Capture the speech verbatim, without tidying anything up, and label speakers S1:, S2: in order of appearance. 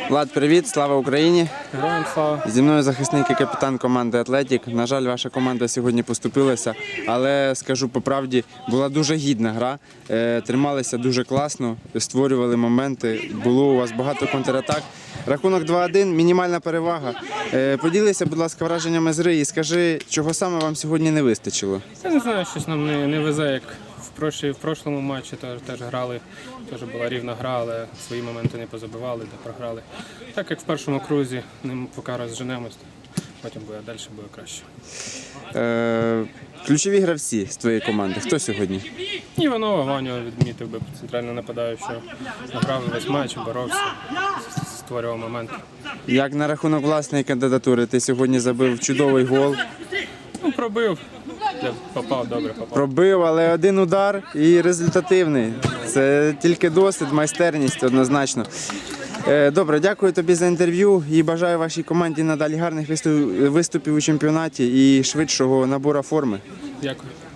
S1: Влад, привіт, слава Україні!
S2: Героям слава!
S1: Зі мною захисник і капітан команди «Атлетік». На жаль, ваша команда сьогодні поступилася, але, скажу по правді, була дуже гідна гра. Е, Трималися дуже класно, створювали моменти, було у вас багато контратак. Рахунок два один, мінімальна перевага. Е, Поділися, будь ласка, враженнями з гри і скажи, чого саме вам сьогодні не вистачило?
S2: Я не знаю, щось нам не, не везе, як в, прошлі, в прошлому матчі теж, теж грали, теж була рівна гра, але свої моменти не позабивали, де програли. Так як в першому крузі, ним поки розженемось, потім буде далі буде краще.
S1: Е, Ключові гравці з твоєї команди, хто сьогодні?
S2: Іванова, Ваню відмітив би центрально нападаючого, грав весь матч, боровся, створював моменти.
S1: Як на рахунок власної кандидатури, ти сьогодні забив чудовий гол.
S2: Ну, пробив, попав, добре попав.
S1: Пробив, але один удар і результативний. Це тільки досвід, майстерність однозначно. Е, Добре, дякую тобі за інтерв'ю і бажаю вашій команді надалі гарних виступів у чемпіонаті і швидшого набору форми.
S2: Дякую.